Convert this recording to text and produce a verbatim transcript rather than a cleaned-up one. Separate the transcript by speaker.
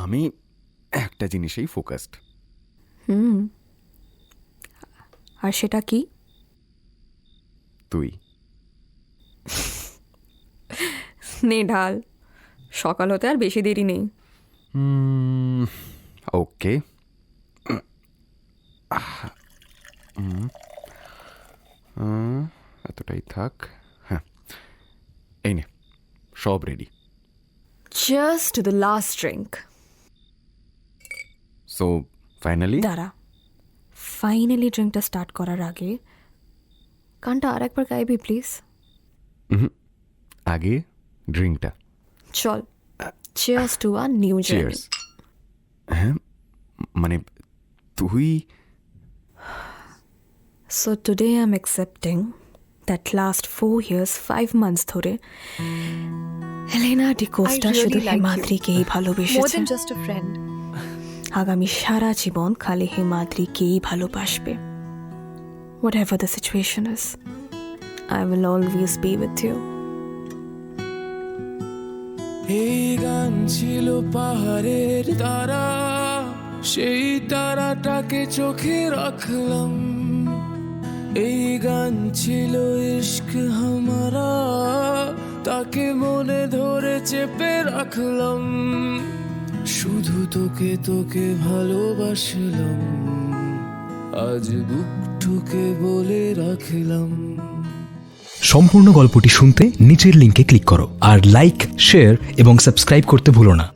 Speaker 1: আমি একটা জিনিসেই ফোকাসড।
Speaker 2: হুম, আর সেটা কি?
Speaker 1: তুই।
Speaker 2: নে ঢাল, সকাল হতে আর বেশি দেরি নেই।
Speaker 1: ওকে, এতটাই থাক। হ্যাঁ, এই নে, সব ready.
Speaker 2: Just the last drink.
Speaker 1: So finally
Speaker 2: দাঁড়া, ফাইনালি ড্রিঙ্কটা স্টার্ট করার আগে গানটা আর একবার গাইবি প্লিজ?
Speaker 1: আগে ড্রিঙ্কটা।
Speaker 2: চল, cheers to a new journey.
Speaker 1: Cheers. হ্যাঁ, মানে তুই
Speaker 2: so today I am accepting that last four years five months ধরে হেলেনা ডিকোস্টা
Speaker 3: really
Speaker 2: শুধু
Speaker 3: like you.
Speaker 2: হিমাদ্রিকেই
Speaker 3: More
Speaker 2: ভালোবেসেছে।
Speaker 3: than just a friend.
Speaker 2: আগামী সারা জীবন খালি হিমাদ্রিকেই ভালোবাসবে। Whatever the situation is, I will always be with you.
Speaker 4: এই গান ছিল পাহাড়ের তারা, সেই তারাটাকে চোখে রাখলাম। এই গান ছিল ইশক হামারা, তাকে মনে ধরে চেপে রাখলাম। শুধু তোকে তোকে ভালোবাসলাম, আজ বুক ঠুকে বলে রাখলাম।
Speaker 5: সম্পূর্ণ গল্পটি শুনতে নিচের লিঙ্কে ক্লিক করো আর লাইক, শেয়ার এবং সাবস্ক্রাইব করতে ভুলো না।